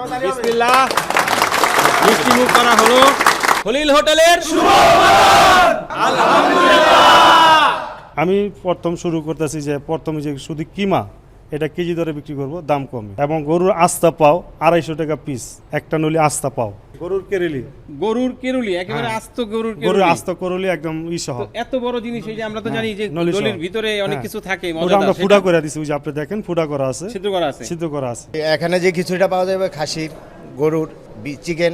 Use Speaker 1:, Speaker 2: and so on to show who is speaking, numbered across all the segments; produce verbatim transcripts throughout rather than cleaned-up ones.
Speaker 1: বিসমিল্লাহ, মিষ্টি মুখ করা হলো খলিল হোটেলের আলহামদুলিল্লাহ।
Speaker 2: আমি প্রথম শুরু করতেছি যে প্রথমে যে শুধু কিমা এটা কেজি দরে বিক্রি করব, দাম কমে, এবং গরুর আস্তা পাও আড়াইশো টাকা পিস, একটা নলি আস্তা পাও। গরুর কেরেলি,
Speaker 1: গরুর কেরুলি একেবারে
Speaker 2: হ্যাঁ।
Speaker 1: আস্ত গরুর
Speaker 2: গরুর
Speaker 1: কেরুলি,
Speaker 2: আস্ত করলি একদম ইসহ।
Speaker 1: তো এত বড় জিনিস, এই যে আমরা তো জানি যে
Speaker 2: নলি সহ।
Speaker 1: নলির ভিতরে অনেক
Speaker 2: হ্যাঁ।
Speaker 1: কিছু থাকে,
Speaker 2: ওটা
Speaker 1: মজাদার,
Speaker 2: আমরা
Speaker 1: সেটা
Speaker 2: ফুটা করে দিছি, ওই যে আপনি দেখেন ফুটা করা আছে,
Speaker 1: সিদ্ধ করা আছে।
Speaker 2: সিদ্ধ করা আছে।
Speaker 3: এখানে যে খিচুড়িটা পাওয়া যাবে খাসির, গরুর, চিকেন,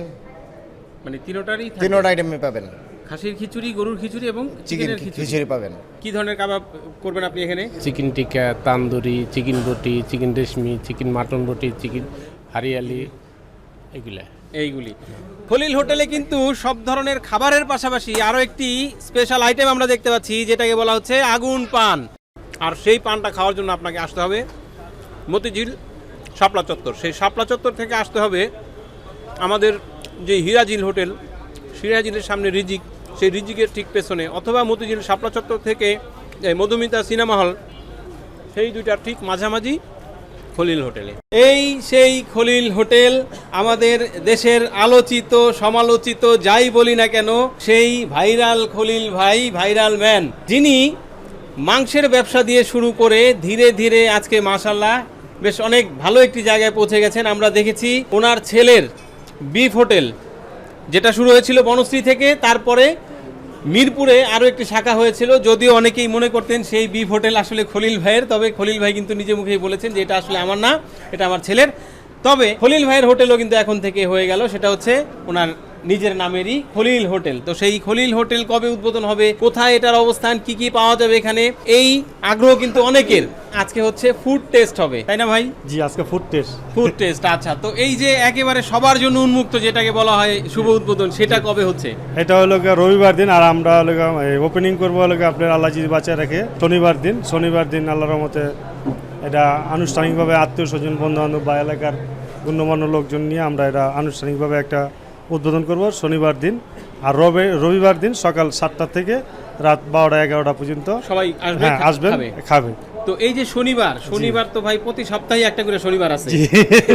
Speaker 1: মানে তিনোটারই থাকে।
Speaker 3: তিনোটা আইটেমে পাবেন।
Speaker 1: খাসির খিচুড়ি, গরুর খিচুড়ি এবং
Speaker 3: চিকেন
Speaker 1: চিকেনের খিচুড়ি।
Speaker 3: খিচুড়ি পাবেন।
Speaker 1: কি ধরনের কাবাব করবেন আপনি এখানে?
Speaker 4: Chicken tikka, tandoori, chicken roti, chicken reshmi, chicken mutton roti, chicken hariyali, এগুলা
Speaker 1: এইগুলি। খলিল হোটেলে কিন্তু সব ধরনের খাবারের পাশাপাশি আরও একটি স্পেশাল আইটেম আমরা দেখতে পাচ্ছি, যেটাকে বলা হচ্ছে আগুন পান। আর সেই পানটা খাওয়ার জন্য আপনাকে আসতে হবে মতিঝিল শাপলা চত্বর। সেই শাপলা চত্বর থেকে আসতে হবে আমাদের যে হিরাজিল হোটেল, হিরাজিলের সামনে রিজিক, সেই রিজিকের ঠিক পেছনে, অথবা মতিঝিল শাপলা চত্বর থেকে এই মধুমিতা সিনেমা হল, সেই দুইটার ঠিক মাঝামাঝি খলিল হোটেলে। এই সেই খলিল হোটেল, আমাদের দেশের আলোচিত সমালোচিত যাই বলি না কেন, সেই ভাইরাল খলিল ভাই, ভাইরাল ম্যান, যিনি মাংসের ব্যবসা দিয়ে শুরু করে ধীরে ধীরে আজকে মাশাআল্লাহ বেশ অনেক ভালো একটি জায়গায় পৌঁছে গেছেন। আমরা দেখেছি ওনার ছেলের বিফ হোটেল, যেটা শুরু হয়েছিল বনশ্রী থেকে, তারপরে মিরপুরে আরও একটি শাখা হয়েছিল, যদিও অনেকেই মনে করতেন সেই বিফ হোটেল আসলে খলিল ভাইয়ের, তবে খলিল ভাই কিন্তু নিজে মুখেই বলেছেন যে এটা আসলে আমার না, এটা আমার ছেলের। তবে খলিল ভাইয়ের হোটেলও কিন্তু এখন থেকে হয়ে গেল, সেটা হচ্ছে ওনার নিজের নামেরই খলিল হোটেল। তো সেই খলিল হোটেল কবে উদ্বোধন হবে, কোথায় এটার অবস্থান, কি কি পাওয়া যাবে এখানে, এই আগ্রহ কিন্তু অনেকের। আজকে হচ্ছে ফুড টেস্ট হবে, তাই না ভাই?
Speaker 2: জি, আজকে ফুড টেস্ট।
Speaker 1: ফুড টেস্ট, আচ্ছা। তো এই যে একেবারে সবার জন্য উন্মুক্ত যেটাকে বলা হয় শুভ উদ্বোধন, সেটা কবে হচ্ছে?
Speaker 2: এটা হলো গিয়ে রবিবার দিন, আর আমরা হলো ওপেনিং করবো হলো গিয়ে আপনার আল্লাহ যদি বাঁচিয়ে রাখে শনিবার দিন। শনিবার দিন আল্লাহর রহমতে এটা আনুষ্ঠানিকভাবে আত্মীয় স্বজন, বন্ধু বান্ধব বা এলাকার গণ্যমান্য লোকজন নিয়ে আমরা এটা আনুষ্ঠানিকভাবে একটা উদ্বোধন করব শনিবার দিন। আর রবি রবিবার দিন সকাল সাতটা থেকে রাত বারোটা এগারোটা পর্যন্ত
Speaker 1: সবাই আসবে,
Speaker 2: হ্যাঁ আসবেন,
Speaker 1: খাবে।
Speaker 2: খাবে।
Speaker 1: তো এই যে শনিবার, শনিবার তো ভাই প্রতি সপ্তাহে একটা করে শনিবার আছে,
Speaker 2: জি।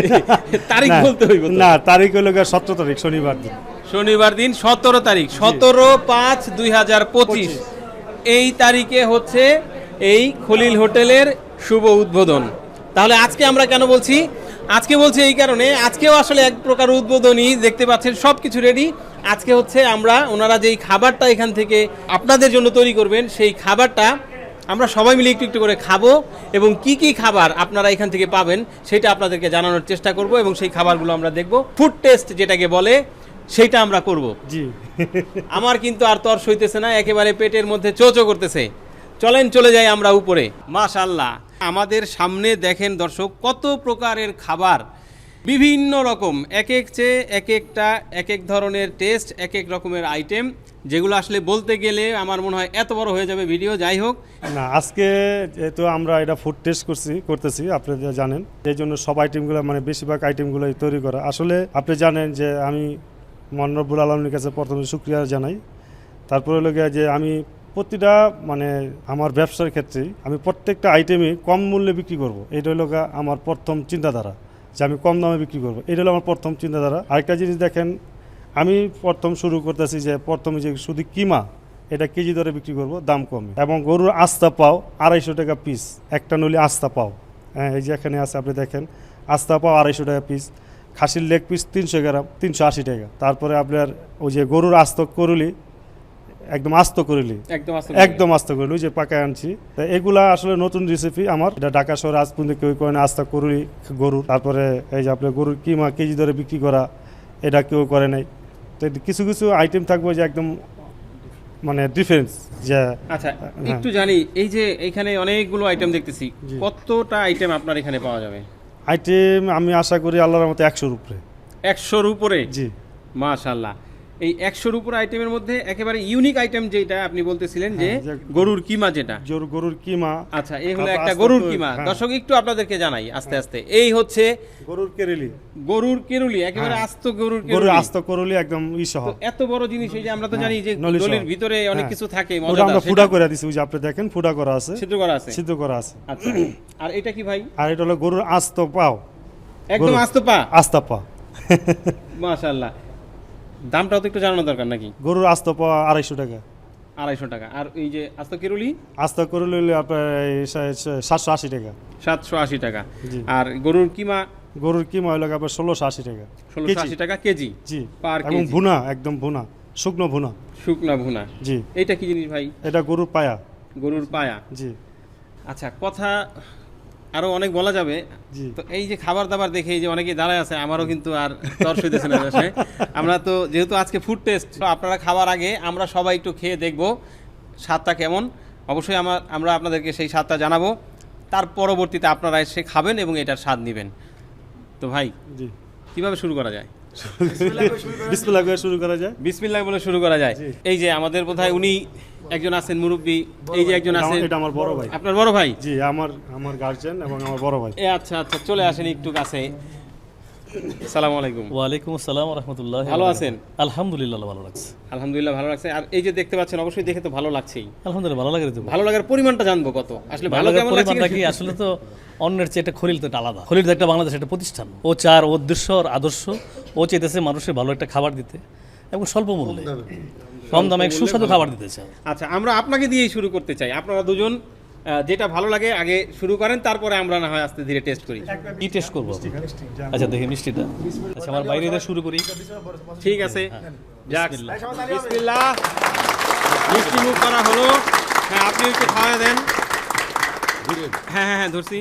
Speaker 1: তারিখ
Speaker 2: না,
Speaker 1: বলতে হইব তো।
Speaker 2: না, তারিখ হলো গিয়ে সতেরো তারিখ শনিবার দিন।
Speaker 1: শনিবার দিন সতেরো তারিখ, সতেরো পাঁচ দুই হাজার পঁচিশ, এই তারিখে হচ্ছে এই খলিল হোটেলের শুভ উদ্বোধন। তাহলে আজকে আমরা কেন বলছি? আজকে বলছি এই কারণে, আজকেও আসলে এক প্রকার উদ্বোধনী, দেখতে পাচ্ছেন সব কিছু রেডি। আজকে হচ্ছে আমরা ওনারা যেই খাবারটা এখান থেকে আপনাদের জন্য তৈরি করবেন, সেই খাবারটা আমরা সবাই মিলে একটু একটু করে খাবো, এবং কি কি খাবার আপনারা এখান থেকে পাবেন সেটা আপনাদেরকে জানানোর চেষ্টা করব, এবং সেই খাবারগুলো আমরা দেখব। ফুড টেস্ট যেটাকে বলে, সেইটা আমরা করব।
Speaker 2: জি।
Speaker 1: আমার কিন্তু আর তর সইতেছে না, একেবারে পেটের মধ্যে চোচো করতেছে। চলেন চলে যাই আমরা উপরে। মাশাআল্লাহ, আমাদের সামনে দেখেন দর্শক কত প্রকারের খাবার, বিভিন্ন রকম, এক এক চেয়ে এক একটা, এক এক ধরনের টেস্ট, এক এক রকমের আইটেম, যেগুলো আসলে বলতে গেলে আমার মনে হয় এত বড় হয়ে যাবে ভিডিও। যাই হোক
Speaker 2: না, আজকে যেহেতু আমরা এটা ফুড টেস্ট করছি করতেছি আপনারা জানেন, এই জন্য সব আইটেমগুলো মানে বেশিরভাগ আইটেমগুলোই তৈরি করা। আসলে আপনি জানেন যে আমি মহান রব্বুল আলমীর কাছে প্রথমে শুকরিয়া জানাই। তারপরে হলো গিয়ে যে আমি প্রতিটা মানে আমার ব্যবসার ক্ষেত্রেই আমি প্রত্যেকটা আইটেমই কম মূল্যে বিক্রি করব। এটা হলো গিয়ে আমার প্রথম চিন্তাধারা, যে আমি কম দামে বিক্রি করব। এটা হলো আমার প্রথম চিন্তাধারা। আরেকটা জিনিস দেখেন, আমি প্রথম শুরু করতেছি যে প্রথমে যে শুধু কিমা এটা কেজি দরে বিক্রি করব, দাম কমে, এবং গরুর আস্তা পাও আড়াইশো টাকা পিস, একটা নলি আস্তা পাও। হ্যাঁ, এই যে এখানে আছে আপনি দেখেন, আস্তা পাও আড়াইশো টাকা পিস। খাসির লেগ পিস তিনশো গ্রাম তিনশো আশি টাকা। তারপরে আপনার ওই যে গরুর আস্ত করুলি, একদম আস্ত করুলি,
Speaker 1: একদম আস্তে
Speaker 2: একদম আস্ত করুলি, ওই যে পাকায় আনছি। তা এগুলা আসলে নতুন রেসিপি আমার, এটা ঢাকা শহরে আজ পর্যন্ত কেউ করে না আস্তা করুলি গরুর। তারপরে এই যে আপনার গরুর কিমা কেজি ধরে বিক্রি করা, এটা কেউ করে নাই। তো কিছু কিছু আইটেম থাকবে যে একদম মানে ডিফারেন্স। যে
Speaker 1: আচ্ছা, একটু জানি, এই যে এখানে অনেকগুলো আইটেম দেখতেছি, কতটা আইটেম আপনার এখানে পাওয়া যাবে?
Speaker 2: আইটেম আমি আশা করি আল্লাহর মতো একশোর উপরে।
Speaker 1: একশোর উপরে?
Speaker 2: জি,
Speaker 1: মাশাআল্লাহ। এই একশোর উপর আইটেমের মধ্যে একেবারে ইউনিক আইটেম যেটা আপনি বলতেছিলেন যে
Speaker 2: হ্যাঁ, যে
Speaker 1: গরুর কিমা, যেটা
Speaker 2: জোর গরুর কিমা।
Speaker 1: আচ্ছা, এই হলো
Speaker 2: তারপর
Speaker 1: একটা
Speaker 2: আস্ত
Speaker 1: গরুর
Speaker 2: করে,
Speaker 1: কিমা।
Speaker 2: হ্যাঁ।
Speaker 1: দর্শক একটু আপনাদেরকে জানাই আস্তে আস্তে, এই হচ্ছে
Speaker 2: গরুর কেরেলি,
Speaker 1: গরুর কেরুলি, একেবারে
Speaker 2: হ্যাঁ।
Speaker 1: আস্ত গরুর
Speaker 2: গরুর
Speaker 1: কেরুলি,
Speaker 2: আস্ত করলি একদম ইসহ।
Speaker 1: তো এত বড় জিনিস, এই যে আমরা তো জানি যে
Speaker 2: নলি সহ।
Speaker 1: নলির ভিতরে অনেক
Speaker 2: হ্যাঁ।
Speaker 1: কিছু থাকে,
Speaker 2: ওটা
Speaker 1: মজাদার,
Speaker 2: আমরা
Speaker 1: সেটা
Speaker 2: ফুটা করে দিছি, ওই যে আপনি দেখেন ফুটা করা আছে,
Speaker 1: সিদ্ধ করা আছে।
Speaker 2: সিদ্ধ করা আছে।
Speaker 1: আচ্ছা, আর এটা কি ভাই?
Speaker 2: আর এটা হলো গরুর আস্ত পাও,
Speaker 1: একদম
Speaker 2: গরুর-
Speaker 1: আস্ত পা।
Speaker 2: আস্তা পা।
Speaker 1: মাশাআল্লাহ। দামটাও তো একটু জানানো দরকার নাকি?
Speaker 2: গরুর আস্ত পাওয়া আড়াইশো টাকা,
Speaker 1: আড়াইশো টাকা। আর এই যে আস্ত কেরুলি
Speaker 2: আস্ত করে লইলে আপনার এই সা- সা- সাতশো আশি টাকা।
Speaker 1: সাতশো আশি টাকা।
Speaker 2: জি।
Speaker 1: আর গরুর কিমা
Speaker 2: গরুর কিমা হইলো আপনার ষোলোশো আশি টাকা
Speaker 1: ষোলোশো
Speaker 2: কেজি।
Speaker 1: আশি টাকা কেজি
Speaker 2: জি,
Speaker 1: পার
Speaker 2: এবং
Speaker 1: কেজি।
Speaker 2: ভুনা, একদম ভুনা, শুকনো ভুনা।
Speaker 1: শুকনা ভুনা।
Speaker 2: জি,
Speaker 1: এইটা কি জিনিস ভাই?
Speaker 2: এটা গরুর পায়া।
Speaker 1: গরুর পায়া।
Speaker 2: জি
Speaker 1: আচ্ছা, কথা আরো অনেক বলা যাবে।
Speaker 2: জি।
Speaker 1: তো এই যে খাবার দাবার দেখে এই যে অনেকেই দাঁড়ায় আছে, আমারও কিন্তু আর তর সইতেছে না আসলে। আমরা তো যেহেতু আজকে ফুড টেস্ট, আপনারা খাবার আগে আমরা সবাই একটু খেয়ে দেখব স্বাদটা কেমন। অবশ্যই আমার আমরা আপনাদেরকে সেই স্বাদটা জানাবো, তার পরবর্তীতে আপনারা এসে খাবেন এবং এটার স্বাদ নেবেন। তো ভাই,
Speaker 2: জি,
Speaker 1: কিভাবে শুরু করা যায়?
Speaker 2: বিসমিল্লাহ করে শুরু করা যায়।
Speaker 1: বিসমিল্লাহ বলে শুরু করা যায়।
Speaker 2: জি।
Speaker 1: এই যে আমাদের বোধহয় উনি একজন আছেন মুরব্বী, এই যে একজন আছেন,
Speaker 2: এটা আমার বড় ভাই।
Speaker 1: আপনার বড় ভাই।
Speaker 2: জি, আমার আমার গার্জিয়ান এবং আমার বড় ভাই।
Speaker 1: এ আচ্ছা আচ্ছা, চলে আসেন একটু কাছে। আসসালামু আলাইকুম।
Speaker 5: ওয়ালাইকুম আসসালাম রহমতুল্লাহ।
Speaker 1: ভালো আছেন?
Speaker 5: আলহামদুলিল্লাহ ভালো লাগছে।
Speaker 1: আলহামদুলিল্লাহ ভালো লাগছে। আর এই যে দেখতে পাচ্ছেন, অবশ্যই দেখে তো ভালো লাগছেই।
Speaker 5: আলহামদুলিল্লাহ ভালো লাগে তো।
Speaker 1: ভালো লাগার পরিমাণটা জানবো কত আসলে, ভালো
Speaker 5: ভালো
Speaker 1: কেমন লাগছে?
Speaker 5: পরিমাণটা কি আসলে তো অন্যের চেয়ে একটা খলিল তো একটা আলাদা। খলিল তো একটা বাংলাদেশ একটা প্রতিষ্ঠান। ও চার ওর উদ্দেশ্য আর আদর্শ, ও চেয়েছে মানুষের ভালো একটা খাবার দিতে এবং স্বল্প মূল্যে, কম দামে এক সুস্বাদু খাবার দিতে চায়।
Speaker 1: আচ্ছা, আমরা আপনাকে দিয়েই শুরু করতে চাই। আপনারা দুজন আহ, যেটা ভালো লাগে আগে শুরু করেন, তারপরে আমরা না হয় আস্তে ধীরে টেস্ট করি।
Speaker 5: কি টেস্ট করবো? আচ্ছা দেখি মিষ্টিটা। আচ্ছা আমার বাইরে দিয়ে শুরু করি।
Speaker 1: ঠিক আছে, যাক।
Speaker 5: বিসমিল্লাহ।
Speaker 1: বিসমিল্লাহ। মিষ্টি মুখ করা হলো। হ্যাঁ, আপনি একটু খাওয়া দেন। হ্যাঁ হ্যাঁ হ্যাঁ, ধরছি।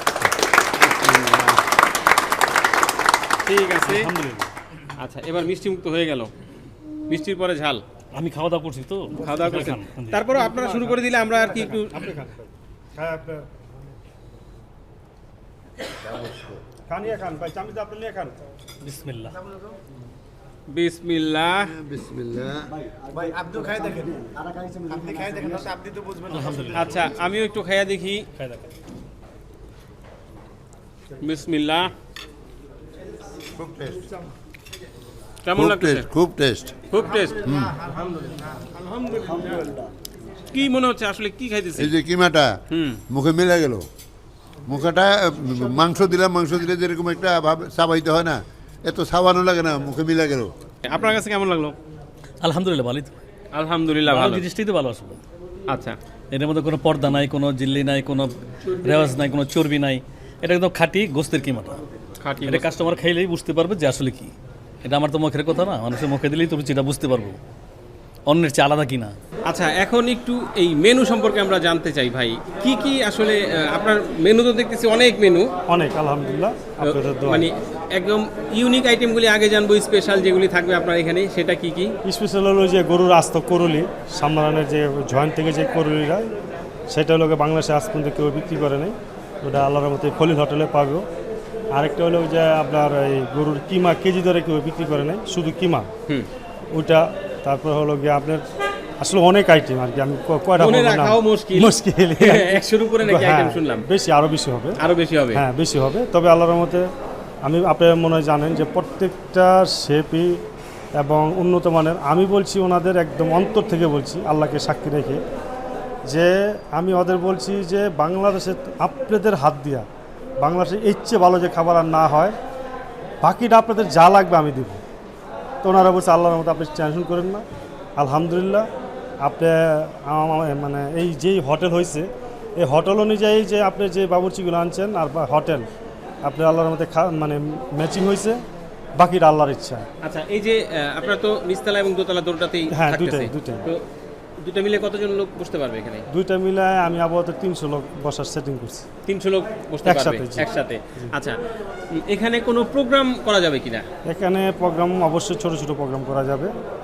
Speaker 1: ঠিক আছে। আচ্ছা, এবার মিষ্টি মুক্ত হয়ে গেল। মিষ্টির পরে ঝাল।
Speaker 5: আমি খাওয়া দাওয়া করছি তো।
Speaker 1: খাওয়া দাওয়া করছেন,
Speaker 5: খান।
Speaker 1: তারপরে আপনারা শুরু করে দিলে আমরা আর কি একটু।
Speaker 2: হ্যাঁ, আপনার খান, ইয়ে খান ভাই, চামচ আপনি নিয়ে খান।
Speaker 5: বিসমিল্লাহ।
Speaker 1: বিসমিল্লাহ।
Speaker 5: আলহামদুলিল্লাহ।
Speaker 1: আচ্ছা, আমিও একটু খাইয়া দেখি।
Speaker 5: খাই দেখা।
Speaker 1: বিসমিল্লাহ।
Speaker 3: খুব টেস্ট,
Speaker 1: কেমন লাগছে?
Speaker 3: খুব টেস্ট।
Speaker 1: খুব টেস্ট। কি মনে হচ্ছে আসলে, কি খাইতেছি?
Speaker 3: এই যে কিমাটা
Speaker 1: হুম।
Speaker 3: মুখে মিলে গেল। মুখেটা মাংস দিলাম, মাংস দিলে যেরকম একটা ভাব চাবাইতে হয় না, এত চাবানো লাগে না, মুখে মিলে গেল।
Speaker 1: আপনার কাছে কেমন লাগলো?
Speaker 5: আলহামদুলিল্লাহ ভালোই তো।
Speaker 1: আলহামদুলিল্লাহ
Speaker 5: ভালো
Speaker 1: ভালো।
Speaker 5: জিনিসটাই তো ভালো আসলে।
Speaker 1: আচ্ছা,
Speaker 5: এর মধ্যে কোনো পর্দা নাই, কোনো জিল্লি নাই, কোনো রেওয়াজ নাই, কোনো চর্বি নাই। এটা একদম খাঁটি গোস্তের কিমাটা।
Speaker 1: খাঁটি
Speaker 5: এটা কাস্টমার খাইলেই বুঝতে পারবে যে আসলে কি। এটা আমার তো মুখের কথা না, মানুষের মুখে দিলেই তো রুচিটা বুঝতে পারবো অন্যের চেয়ে আলাদা কিনা।
Speaker 1: আচ্ছা, এখন একটু এই মেনু সম্পর্কে আমরা জানতে চাই ভাই। কি কি আসলে আহ, আপনার মেনু তো দেখতেছি অনেক মেনু,
Speaker 2: অনেক আলহামদুলিল্লাহ, আপনাদের দোয়া।
Speaker 1: মানে একদম ইউনিক আইটেমগুলি আগে জানবো, স্পেশাল যেগুলি থাকবে আপনার এখানে, সেটা কি কি?
Speaker 2: স্পেশাল হলো যে গরুর আস্ত করলি, সামরানের যে জয়েন্ট থেকে যে করলিটা, সেটা হলো গিয়ে বাংলাদেশে আজ পর্যন্ত কেউ বিক্রি করে নাই। ওটা আল্লাহর মতো খলিল হোটেলে পাবো। আরেকটা হলো যে আপনার এই গরুর কিমা কেজি দরে কেউ বিক্রি করে নাই, শুধু কিমা
Speaker 1: হুম।
Speaker 2: ওটা। তারপর হলো গিয়ে আপনার আসলে অনেক আইটেম আর কি, আমি ক- কয়টা
Speaker 1: মনে
Speaker 2: বলবো না।
Speaker 1: রাখাও মুশকিল।
Speaker 2: মুশকিল।
Speaker 1: একশোর উপরে নাকি
Speaker 2: হ্যাঁ,
Speaker 1: আইটেম শুনলাম?
Speaker 2: বেশি, আরো বেশি হবে।
Speaker 1: আরো বেশি হবে?
Speaker 2: হ্যাঁ, বেশি হবে। তবে আল্লাহর মতে আমি, আপনি মনে হয় জানেন যে প্রত্যেকটা শেপই এবং উন্নত মানের। আমি বলছি ওনাদের একদম অন্তর থেকে বলছি, আল্লাহকে সাক্ষী রেখে, যে আমি ওদের বলছি যে বাংলাদেশে আপনাদের হাত দিয়া বাংলাদেশে এর চেয়ে ভালো যে খাবার আর না হয়, বাকিটা আপনাদের যা লাগবে আমি দিব। তো ওনারা বলছে আল্লাহর মতো আপনি টেনশন করেন না। আলহামদুলিল্লাহ, আপনি আমার- মানে এই যেই হোটেল হয়েছে, এই হোটেল অনুযায়ী যে আপনি যে বাবুর্চিগুলো আনছেন আর বা হোটেল আপনি আল্লাহর মধ্যে মানে ম্যাচিং হয়েছে, বাকিটা আল্লাহর ইচ্ছা।
Speaker 1: আচ্ছা, এই যে আহ, আপনার তো নিচতলা এবং দোতলা দুটোতেই
Speaker 2: হ্যাঁ,
Speaker 1: থাকতেছে।
Speaker 2: দুইটাই, দুইটাই।
Speaker 1: তো দুটো মিলে কতজন লোক বসতে পারবে এখানে?
Speaker 2: দুইটা মিলায় আমি আপাতত তিনশো লোক বসার সেটিং করছি।
Speaker 1: তিনশো লোক বসতে পারবে
Speaker 2: একসাথে, জি।
Speaker 1: একসাথে? আচ্ছা, উম, এখানে কোনো প্রোগ্রাম করা যাবে কিনা?
Speaker 2: এখানে প্রোগ্রাম অবশ্যই ছোট ছোট প্রোগ্রাম করা যাবে,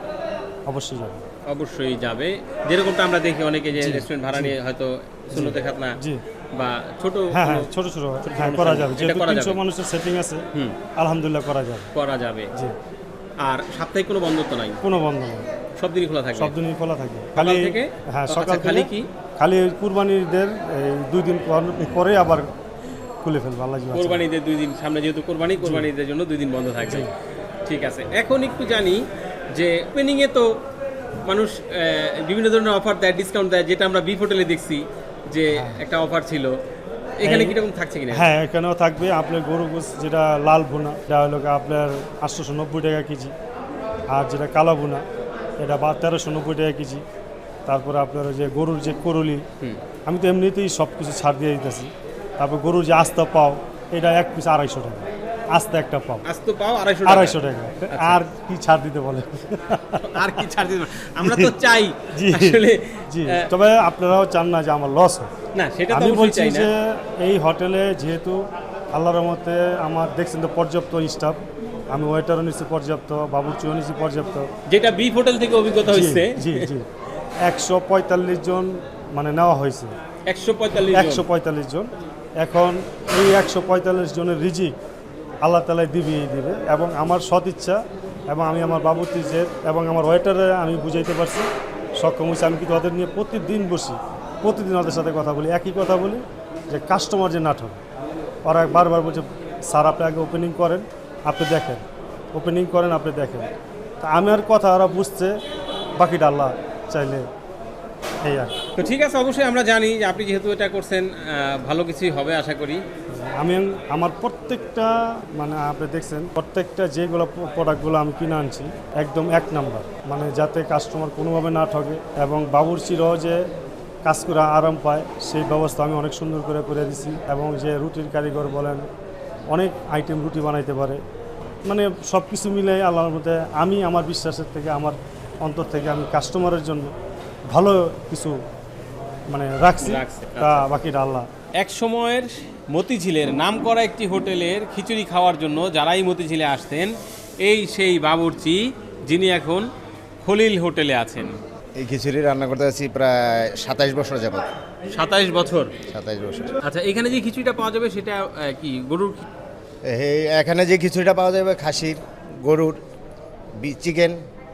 Speaker 2: অবশ্যই যাবে।
Speaker 1: অবশ্যই যাবে। যেরকমটা আমরা দেখি অনেকে যে রেস্টুরেন্ট ভাড়া নিয়ে হয়তো সুন্নতে খাতনা
Speaker 2: জি।
Speaker 1: বা ছোট
Speaker 2: হ্যাঁ হ্যাঁ,
Speaker 1: কোনো
Speaker 2: ছোট ছোট হ্যাঁ করা যাবে,
Speaker 1: এটা
Speaker 2: যেহেতু
Speaker 1: করা
Speaker 2: তিনশো
Speaker 1: যাবে।
Speaker 2: মানুষের সেটিং আছে,
Speaker 1: হুম।
Speaker 2: আলহামদুলিল্লাহ করা যাবে।
Speaker 1: করা যাবে।
Speaker 2: জি,
Speaker 1: আর সাপ্তাহিক কোনো বন্ধ তো নাই?
Speaker 2: কোনো বন্ধ নেই,
Speaker 1: সব দিনই খোলা থাকবে?
Speaker 2: সব দিনই খোলা থাকে।
Speaker 1: সকাল
Speaker 2: খালি
Speaker 1: থেকে?
Speaker 2: হ্যাঁ,
Speaker 1: আচ্ছা,
Speaker 2: সকাল
Speaker 1: খালি
Speaker 2: থেকে
Speaker 1: কি?
Speaker 2: খালি কুরবানিদের এই দুই দিন পর- পরে আবার খুলে ফেলবো আল্লাহ জি বাঁচাবে।
Speaker 1: কোরবানিদের দুই দিন সামনে, যেহেতু কোরবানি, কোরবানিদের জন্য দুই দিন বন্ধ থাকবে। ঠিক আছে, এখন একটু জানি যে ওপেনিংয়ে তো মানুষ আহ, বিভিন্ন ধরনের অফার দেয়, ডিসকাউন্ট দেয়, যেটা আমরা বিফ হোটেলে দেখছি যে একটা অফার ছিল। এখানে
Speaker 2: এই-
Speaker 1: কিরকম থাকছে কিনা?
Speaker 2: হ্যাঁ, এখানেও থাকবে আপনার গরু গোস যেটা লাল ভুনা, এটা হলো গিয়ে আপনার আটশোশো নব্বই টাকা কেজি। আর যেটা কালো ভুনা, এটা বা তেরোশো নব্বই টাকা কেজি। তারপরে আপনার ওই যে গরুর যে করলি, আমি তো এমনিতেই সব কিছু ছাড় দিয়ে দিতেছি। তারপর গরুর যে আস্তা পাও, এটা এক পিস আড়াইশো টাকা, আস্তা একটা পাও
Speaker 1: আজ তো পাও আড়াইশো
Speaker 2: আড়াইশো টাকা। আর কি ছাড় দিতে বলে?
Speaker 1: আর কি ছাড় দিতে? আমরা তো চাই
Speaker 2: জি
Speaker 1: আসলে
Speaker 2: জি,
Speaker 1: আহ,
Speaker 2: তবে আপনারাও চান না যে আমার লস হোক।
Speaker 1: না সেটা তো
Speaker 2: আমি
Speaker 1: অবশ্যই
Speaker 2: বলছি
Speaker 1: চাই না।
Speaker 2: যে এই হোটেলে যেহেতু আল্লাহর রহমতে আমার দেখছেন তো পর্যাপ্ত স্টাফ, আমি ওয়েটারও নিচ্ছি পর্যাপ্ত, বাবুর্চিও নিচ্ছি পর্যাপ্ত।
Speaker 1: যেটা বিফ হোটেল থেকে অভিজ্ঞতা
Speaker 2: জি
Speaker 1: হচ্ছে
Speaker 2: জি জি একশো পঁয়তাল্লিশ জন মানে নেওয়া হয়েছে,
Speaker 1: একশো পঁয়তাল্লিশ
Speaker 2: একশো পঁয়তাল্লিশ জন। এখন এই একশো পঁয়তাল্লিশ জনের রিজিক আল্লাহ তালাই দিবেই দিবে, এবং আমার সৎ ইচ্ছা এবং আমি আমার বাবুর্চিদের এবং আমার ওয়েটারে আমি বুঝাইতে পারছি, সক্ষম হয়েছে। আমি কিন্তু ওদের নিয়ে প্রতিদিন বসি, প্রতিদিন ওদের সাথে কথা বলি, একই কথা বলি যে কাস্টমার যে নাটক, ওরা বারবার বলছে স্যার আপনি আগে ওপেনিং করেন, আপনি দেখেন, ওপেনিং করেন আপনি দেখেন। তা আমার কথা ওরা বুঝছে, বাকিটা আল্লাহ চাইলে এই আর কি।
Speaker 1: তো ঠিক আছে, অবশ্যই আমরা জানি যে আপনি যেহেতু এটা করছেন আহ, ভালো কিছুই হবে আশা করি।
Speaker 2: আমি আমার প্রত্যেকটা মানে আপনি দেখছেন প্রত্যেকটা যেগুলো প্রোডাক্টগুলো আমি কিনে আনছি একদম এক নাম্বার, মানে যাতে কাস্টমার কোনোভাবে না ঠকে এবং বাবুর্চিরাও যে কাজ করে আরাম পায় সেই ব্যবস্থা আমি অনেক সুন্দর করে করে দিছি। এবং যে রুটির কারিগর বলেন অনেক আইটেম রুটি বানাইতে পারে, মানে সব কিছু মিলে আল্লাহর মধ্যে আমি আমার বিশ্বাসের থেকে আমার অন্তর থেকে আমি কাস্টমারের জন্য ভালো কিছু মানে রাখছি,
Speaker 1: রাখছে,
Speaker 2: তা বাকিটা আল্লাহ।
Speaker 1: এক সময়ের মতিঝিলের নামকরা একটি হোটেলের খিচুড়ি খাওয়ার জন্য যারাই মতিঝিলে আসতেন, এই সেই বাবুর্চি যিনি এখন খলিল হোটেলে আছেন।
Speaker 6: এই খিচুড়ি রান্না করতে আছি প্রায় সাতাইশ বছর যাবত।
Speaker 1: সাতাইশ বছর।
Speaker 6: সাতাইশ বছর।
Speaker 1: আচ্ছা, এখানে যে খিচুড়িটা পাওয়া যাবে সেটা আহ, কি গরুর খি-
Speaker 6: এই এখানে যে খিচুড়িটা পাওয়া যাবে খাসির, গরুর, চিকেন,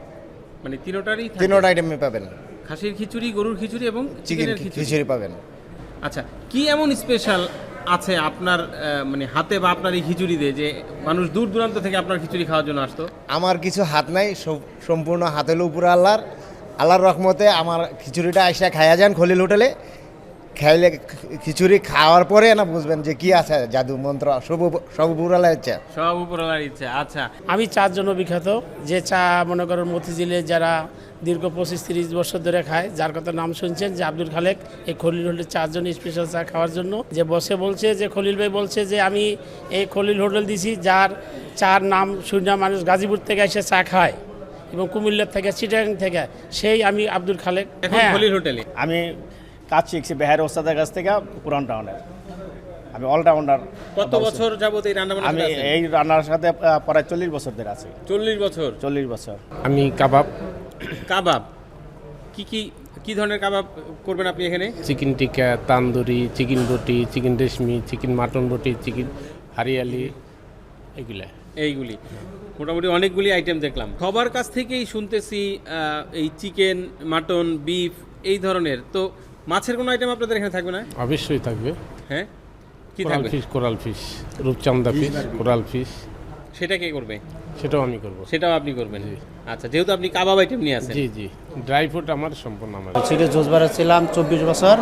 Speaker 1: মানে তিনোটারই থাকে?
Speaker 6: তিনোটা আইটেমে পাবেন।
Speaker 1: খাসির খিচুড়ি, গরুর খিচুড়ি এবং
Speaker 6: চিকেন
Speaker 1: চিকেনের খিচুড়ি।
Speaker 6: খিচুড়ি পাবেন।
Speaker 1: আচ্ছা, কি এমন স্পেশাল আছে আপনার আহ, মানে হাতে বা আপনার এই খিচুড়িতে যে মানুষ দূর দূরান্ত থেকে আপনার খিচুড়ি খাওয়ার জন্য আসতো?
Speaker 6: আমার কিছু হাত নাই, সব- সম্পূর্ণ হাতের উপরে আল্লাহর আল্লাহর রহমতে আমার খিচুড়িটা আইসা খাইয়া যান খলিল হোটেলে। খাইলে খিচুড়ি খাওয়ার পরে না বুঝবেন যে কি আছে জাদু মন্ত্র, সব সব উপরে আল্লাহর ইচ্ছা।
Speaker 1: সব উপরওয়ালার ইচ্ছা। আচ্ছা,
Speaker 7: আমি চার জন্য বিখ্যাত, যে চা মনে করেন মতিঝিলে যারা দীর্ঘ পঁচিশ তিরিশ বছর ধরে খায়, যার কথা নাম শুনছেন যে আব্দুল খালেক, এই খলিল হোটেল চারজন স্পেশাল চা খাওয়ার জন্য যে বসে বলছে যে খলিল ভাই বলছে যে আমি এই খলিল হোটেল দিছি, যার চার নাম শুনে মানুষ গাজীপুর থেকে এসে চা খায় এবং কুমিল্লার থেকে, চিটাগাং থেকে, সেই আমি আব্দুল খালেক।
Speaker 1: এখন
Speaker 7: হ্যাঁ,
Speaker 1: খলিল হোটেলে
Speaker 8: আমি কাজ শিখছি বেহার ওস্তাদের কাছ থেকে পুরান টাউনের। আমি অলরাউন্ডার।
Speaker 1: কত বছর যাবত এই রান্না
Speaker 8: আমি
Speaker 1: বান্না?
Speaker 8: এই রান্নার সাথে আহ, প্রায় চল্লিশ বছর ধরে আছি।
Speaker 1: চল্লিশ বছর।
Speaker 8: চল্লিশ বছর।
Speaker 4: আমি কাবাব,
Speaker 1: কাবাব কি কি কি ধরনের কাবাব করবেন আপনি এখানে?
Speaker 4: Chicken tikka, tandoori, chicken boti, chicken reshmi, chicken mutton boti, chicken hariyali, এগুলা।
Speaker 1: এইগুলি মোটামুটি অনেকগুলি আইটেম দেখলাম। সবার কাছ থেকেই শুনতেছি আহ, এই চিকেন, মাটন, বিফ এই ধরনের। তো মাছের কোনো আইটেম আপনাদের এখানে থাকবে না?
Speaker 4: অবশ্যই থাকবে।
Speaker 1: হ্যাঁ, কি
Speaker 4: কোরাল
Speaker 1: থাকবে?
Speaker 4: ফিশ, কোরাল ফিশ, রূপচান্দা ফিশ, কোরাল ফিশ,
Speaker 1: সেটা কে করবে?
Speaker 4: সেটাও আমি করব।
Speaker 1: সেটাও আপনি করবেন? আচ্ছা, যেহেতু আপনি কাবাব আইটেম নিয়ে আসেন।
Speaker 4: জি জি, ড্রাই ফ্রুট আমার সম্পূর্ণ আমার।
Speaker 9: সিটি জোসবারে ছিলাম চব্বিশ বছর,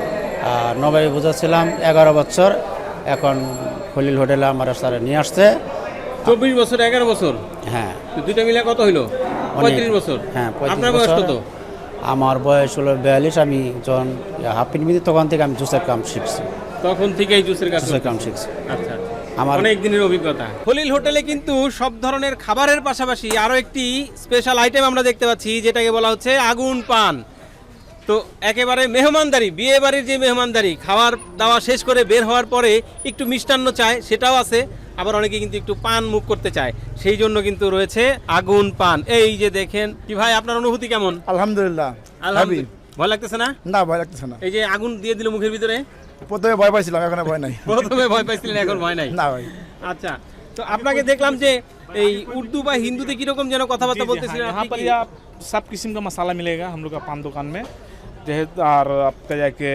Speaker 9: আর নবাবী বোঝা ছিলাম এগারো বছর। এখন খলিল হোটেলে আমার স্যার নিয়ে আসছে।
Speaker 1: চব্বিশ বছর, এগারো বছর,
Speaker 9: হ্যাঁ
Speaker 1: তো দুইটা মিলে কত হইলো?
Speaker 9: অনেক।
Speaker 1: পঁয়ত্রিশ বছর।
Speaker 9: হ্যাঁ, পঁয়ত্রিশ
Speaker 1: আপনার বয়স
Speaker 9: বছর।
Speaker 1: কত?
Speaker 9: আমার বয়স হলো বিয়াল্লিশ। আমি যখন হাফ মিনিট তখন থেকে আমি জুসের কাম শিখছি,
Speaker 1: তখন থেকেই জুসের কাজ
Speaker 9: জুসের কাম
Speaker 1: করতেছেন?
Speaker 9: শিখছি।
Speaker 1: আচ্ছা,
Speaker 9: আমার
Speaker 1: অনেক দিনের অভিজ্ঞতা। খলিল হোটেলে কিন্তু সব ধরনের খাবারের পাশাপাশি আরও একটি স্পেশাল আইটেম আমরা দেখতে পাচ্ছি, যেটাকে বলা হচ্ছে আগুন পান। তো একেবারে মেহমানদারি, বিয়ে বাড়ির যে মেহমানদারি, খাওয়ার দাওয়া শেষ করে বের হওয়ার পরে একটু মিষ্টান্ন চায়, সেটাও আছে। আবার অনেকে কিন্তু একটু পান মুখ করতে চায়, সেই জন্য কিন্তু রয়েছে আগুন পান। এই যে দেখেন। কি ভাই, আপনার অনুভূতি কেমন?
Speaker 10: আলহামদুলিল্লাহ।
Speaker 1: আলহামদুলিল্লাহ। ভয় লাগতেছে না?
Speaker 10: না, ভয় লাগতেছে না।
Speaker 1: এই যে আগুন দিয়ে দিল মুখের ভিতরে,
Speaker 10: প্রথমে ভয় পাইছিলাম, এখন আর ভয় নাই।
Speaker 1: প্রথমে ভয় পাইছিলেন, এখন ভয় নাই?
Speaker 10: না ভাই।
Speaker 1: আচ্ছা, তো আপনাকে দেখলাম যে এই উর্দু বা হিন্দুতে কিরকম যেন কথাবার্তা বলতেছিলেন।
Speaker 11: यहाँ
Speaker 1: আপনি
Speaker 11: पर
Speaker 1: কি-
Speaker 11: ये आप सब किस्म का मसाला मिलेगा हम लोग का पान दुकान में। जैसे और आपका जाके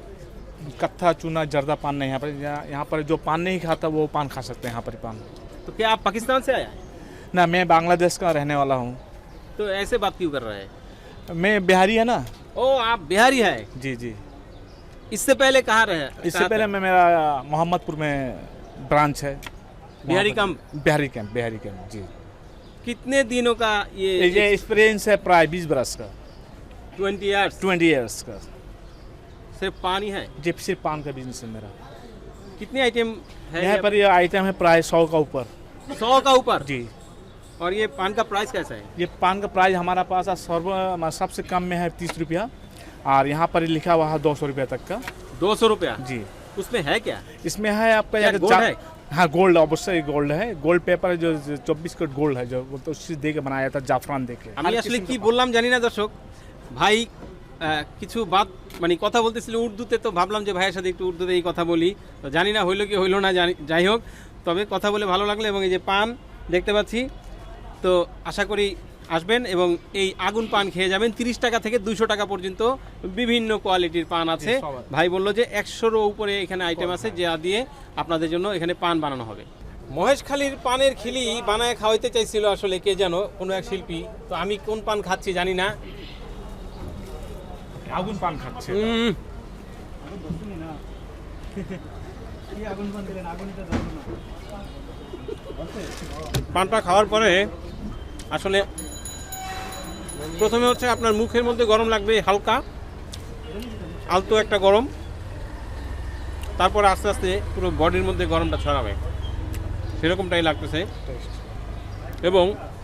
Speaker 11: कत्था चूना जर्दा पान नहीं, यहाँ पर यहाँ यहाँ पर जो पान नहीं खाता वो पान खा सकते हैं यहाँ पर पान।
Speaker 1: तो क्या आप पाकिस्तान से आया है?
Speaker 11: ना, मैं बांग्लादेश का रहने वाला हूँ।
Speaker 1: तो ऐसे बात क्यों कर रहे हैं?
Speaker 11: मैं बिहारी है ना।
Speaker 1: ओ, आप बिहारी है?
Speaker 11: जी जी।
Speaker 1: इससे पहले कहाँ रहे?
Speaker 11: इससे पहले मैं मेरा मोहम्मदपुर में ब्रांच है,
Speaker 1: Bihari camp.
Speaker 11: Bihari camp, Bihari camp जी।
Speaker 1: कितने दिनों का ये
Speaker 11: ये एक्सपीरियंस है प्राय बीस बरस का,
Speaker 1: ट्वेंटी ईयर्स
Speaker 11: ट्वेंटी ईयर्स का।
Speaker 1: सिर्फ पानी है?
Speaker 11: जी, सिर्फ पान का बिजनेस है मेरा।
Speaker 1: कितने आइटम है
Speaker 11: यहाँ पर ये आइटम है प्राय सौ का ऊपर।
Speaker 1: सौ का ऊपर
Speaker 11: जी।
Speaker 1: और ये पान का प्राइस कैसा है?
Speaker 11: ये पान का प्राइस हमारा पास सर्व सबसे कम में है तीस रुपया, और यहाँ पर लिखा हुआ है दो सौ रुपया तक का।
Speaker 1: दो सौ रुपया
Speaker 11: जी।
Speaker 1: उसमें है क्या?
Speaker 11: इसमें है आपका
Speaker 1: क्या
Speaker 11: यहाँ
Speaker 1: गोल्ड
Speaker 11: जा-
Speaker 1: है?
Speaker 11: हाँ, गोल्ड अवश्य गोल्ड है। गोल्ड पेपर जो चौबीस कैरेट गोल्ड है, जो वो तो उसी दे के बनाया था, जाफरान दे के।
Speaker 1: আমি আসলে কি বললাম জানি না দর্শক ভাই আহ, কিছু বাদ মানে কথা বলতেছিল উর্দুতে, তো ভাবলাম যে ভাইয়ের সাথে একটু উর্দুতে এই কথা বলি, তো জানি না হইলো কি হইলো না, জানি যাই হোক, তবে কথা বলে ভালো লাগলো। এবং এই যে পান দেখতে পাচ্ছি, তো আশা করি আসবেন এবং এই আগুন পান খেয়ে যাবেন। তিরিশ টাকা থেকে দুইশো টাকা পর্যন্ত বিভিন্ন কোয়ালিটির পান আছে। ভাই বললো যে একশোরও উপরে এখানে আইটেম আছে যা দিয়ে আপনাদের জন্য এখানে পান বানানো হবে। মহেশখালীর পানের খিলি বানায় খাওয়াইতে চাইছিল আসলে কে যেন, কোনো এক শিল্পী। তো আমি কোন পান খাচ্ছি জানি না।
Speaker 11: আগুন পান খাচ্ছে।
Speaker 1: উম, পানটা খাওয়ার পরে আসলে প্রথমে হচ্ছে আপনার মুখের মধ্যে গরম লাগবে, হালকা আলতো একটা গরম, তারপরে আস্তে আস্তে পুরো বডির মধ্যে গরমটা ছড়াবে, সেরকমটাই লাগতেছে। এবং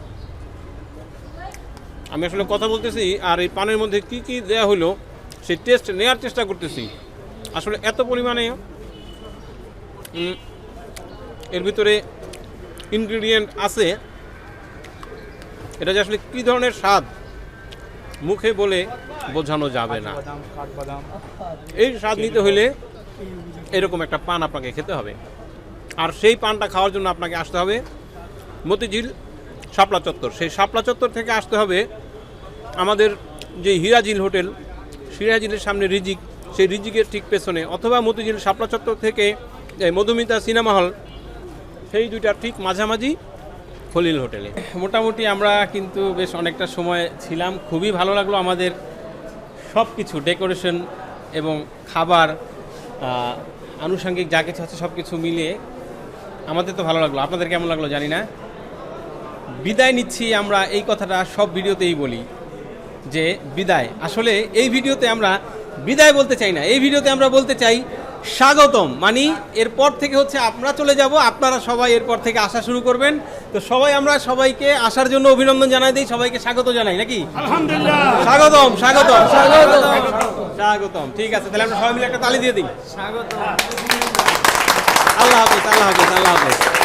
Speaker 1: আমি আসলে কথা বলতেছি আর এই পানের মধ্যে কি কি দেয়া হলো সেই টেস্ট নেওয়ার চেষ্টা করতেছি। আসলে এত পরিমাণে উম, এর ভিতরে ইনগ্রিডিয়েন্ট আছে, এটা যে আসলে কী ধরনের স্বাদ মুখে বলে বোঝানো যাবে না।
Speaker 11: কাঠবাদাম।
Speaker 1: এই স্বাদ নিতে হলে এরকম একটা পান আপনাকে খেতে হবে। আর সেই পানটা খাওয়ার জন্য আপনাকে আসতে হবে মতিঝিল শাপলা চত্বর। সেই শাপলা চত্বর থেকে আসতে হবে আমাদের যে হিরাজিল হোটেল, সিরাজিলের সামনে রিজিক, সেই রিজিকের ঠিক পেছনে, অথবা মতিঝিল শাপলা চত্বর থেকে এই মধুমিতা সিনেমা হল, সেই দুইটার ঠিক মাঝামাঝি খলিল হোটেলে। মোটামুটি আমরা কিন্তু বেশ অনেকটা সময় ছিলাম, খুবই ভালো লাগলো। আমাদের সব কিছু ডেকোরেশন এবং খাবার আহ, আনুষঙ্গিক যা কিছু আছে সব কিছু মিলিয়ে আমাদের তো ভালো লাগলো। আপনাদের কেমন লাগলো জানি না। বিদায় নিচ্ছি আমরা, এই কথাটা সব ভিডিওতেই বলি যে বিদায়। আসলে এই ভিডিওতে আমরা বিদায় বলতে চাই না, এই ভিডিওতে আমরা বলতে চাই স্বাগতম। মানে এরপর থেকে হচ্ছে আমরা চলে যাব, আপনারা সবাই এরপর থেকে আসা শুরু করবেন। তো সবাই আমরা সবাইকে আসার জন্য অভিনন্দন জানাই দিই, সবাইকে স্বাগত জানাই নাকি? আলহামদুলিল্লাহ, স্বাগতম স্বাগতম স্বাগতম স্বাগতম। ঠিক আছে, তাহলে আমরা সবাই মিলে একটা তালি দিয়ে দিই। স্বাগতম। আল্লাহ হাফেজ, আল্লাহ হাফেজ, আল্লাহ হাফেজ।